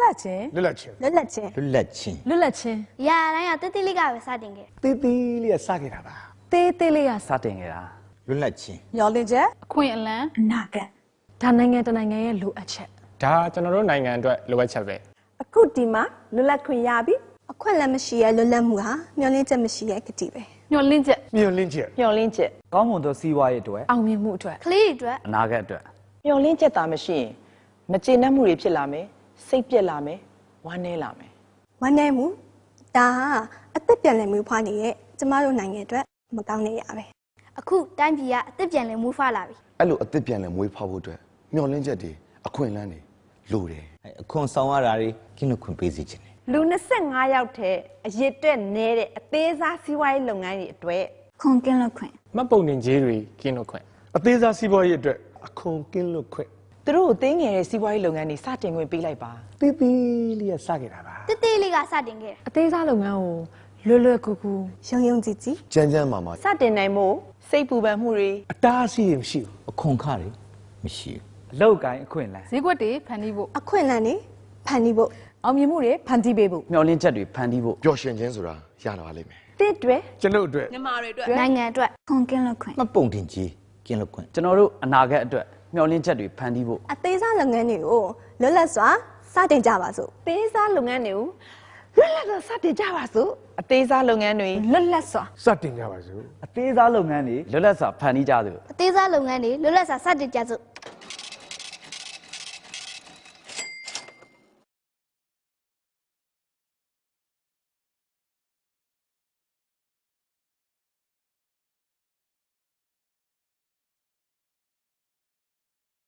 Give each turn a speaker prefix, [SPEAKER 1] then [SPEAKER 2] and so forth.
[SPEAKER 1] ချင်းလွတ်လပ်ချင်း
[SPEAKER 2] လွတ်လပ်ချင်း
[SPEAKER 3] လွတ်လပ်ချင်း
[SPEAKER 4] လွတ်လပ်ချင်း
[SPEAKER 5] ။ရာတိုင်းကတိတိလေးကပဲစတင်ခဲ့
[SPEAKER 1] တေးသေးလေးကစခဲ့တာပါ
[SPEAKER 4] သေးသေးလေးက
[SPEAKER 6] စတင်ခဲ့တာ
[SPEAKER 3] လွတ်လပ်ချင်း
[SPEAKER 2] မျောလင့်ချက်
[SPEAKER 4] အခွင့်အလမ်း
[SPEAKER 2] အနာဂတ်
[SPEAKER 4] ဒါနိုင်ငံတနိုင်ငံရဲ့လိုအပ်ချက်
[SPEAKER 1] ဒါကျွန်တော်တို့နိုင်ငံအတွက်လိုအပ်ချက်ပဲ
[SPEAKER 2] အခုဒီမှာလွတ်လပ်ခွင့်ရပြီအခွင့်အလမ်းမရှိရဲ့လွတ်လပ်မှုဟာမျောလင့်ချက်မရှိရဲ့ကတိပဲ
[SPEAKER 4] ညှော်လင့်ချက်
[SPEAKER 1] မျှော်လင့်ချက်
[SPEAKER 7] မျောလင်းချက်
[SPEAKER 6] ကောင်းမွန်သောစီးပွားရေးအတွက်
[SPEAKER 4] အောင်မြင်မှုအတွက်
[SPEAKER 5] ။ကလေးတွေအတွက်
[SPEAKER 6] အနာဂတ်အတွက်
[SPEAKER 7] မျောလင်းချက်သာမရှိရင်မကျေနပ်မှုတွေဖြစ်လာမယ်စိတ်ပြက်လာမယ်ဝမ်းနည်းလာမယ်
[SPEAKER 2] ဝမ်းနည်းမှုဒါဟာအသက်ပြန်လည်မှုဖွားနေတဲ့ကျမတို့နိုင်ငံအတွက်မကောင်းတဲ့ရပဲ
[SPEAKER 5] အခုတိုင်းပြည်ကအသက်ပြန်လည်မူးဖွားလာပြီ
[SPEAKER 8] အဲ့လိုအသက်ပြန်လဲမွေးဖောက်ဖို့အတွက်မျောလင်းချက်တွေအခွင့်အလမ်းတွေလိုတယ်
[SPEAKER 3] အခွန်ဆောင်ရတာတွေကင်းလွတ်ခွင့်ပေးစီခြင်းတယ်
[SPEAKER 7] လူ25ယောက်ထဲအရစ်တက်နေတဲ့အသေးစားစီးပွားရေးလုပ်ငန်းတွေအတွက်
[SPEAKER 2] ခွန်ကင်းလွတ်ခွင့်
[SPEAKER 1] မှတ်ပုံတင်ကြေးတွေကင်းလွတ်ခွင့်အသေးစားစီးပွားရေးအတွက်အခွန်ကင်းလွတ်ခွင့်
[SPEAKER 7] သူတို့ကိုသိငယ်တဲ့စီးပွားရေးလုပ်ငန်းတွေစတင်ခွင့်ပေးလိုက်ပါ
[SPEAKER 1] တေးသေးလေးကစခဲ့တာပါ
[SPEAKER 5] ။တိတိလေးကစတင်ခဲ့
[SPEAKER 4] အသေးစားလုပ်ငန်းကိုလွယ်လွယ်ကူကူ
[SPEAKER 2] ယုံယုံကြည်ကြည်
[SPEAKER 8] ကြမ်းကြမ်းမာမာ
[SPEAKER 7] စတင်နိုင်မှုစိတ်ပူပန်မှုတွေ
[SPEAKER 1] အတားအဆီးတွေမရှိဘူး
[SPEAKER 3] အခွန်ခတွေမရှိဘူး
[SPEAKER 6] အလောက်ကိုင်းအခွင့်အလမ်း
[SPEAKER 4] ဈေးကွက်တွေဖန်တီးဖို့
[SPEAKER 2] အခွင့်အလမ်းတွေဖန်တီးဖို့
[SPEAKER 4] အောင်မြင်မှုတွေဖန်တီးပေးဖို့
[SPEAKER 6] မျှော်လင့်ချက်တွေဖန်တီးဖို့
[SPEAKER 8] ပျော်ရွှင်ခြင်းဆိုတာရလာပါလိမ့်မယ်
[SPEAKER 7] တစ်တွေ
[SPEAKER 1] ကျွန်တော်တို့အတွက်
[SPEAKER 5] ။နိုင်ငံအတွက်
[SPEAKER 2] ခွန်ကင်းလွတ်ခွင့်
[SPEAKER 3] မှတ်ပုံတင်ကြီးကင်းလွတ်ခွင့်
[SPEAKER 6] ကျွန်တော်တို့အနာဂတ်အတွက်မျှော်လင့်ချက်တွေဖန်တီးဖို့
[SPEAKER 2] အသေးစားလုပ်ငန်းတွေကိုလွတ်လပ်စွာစတင်ကြပါစို့
[SPEAKER 7] သေးစားလုပ်ငန်းတွေကိုလွတ်လပ်စွာစတင်ကြပါစို့အသေးစားလုပ်ငန်းတွေ
[SPEAKER 2] လွတ်လပ်စွာ
[SPEAKER 1] စတင်ကြပါစို့
[SPEAKER 6] အသေးစားလုပ်ငန်းတွေလွတ်လပ်စွာဖန်တီးကြသူ
[SPEAKER 5] အသေးစားလုပ်ငန်းတွေလွတ်လပ်စွာစတင်ကြစို့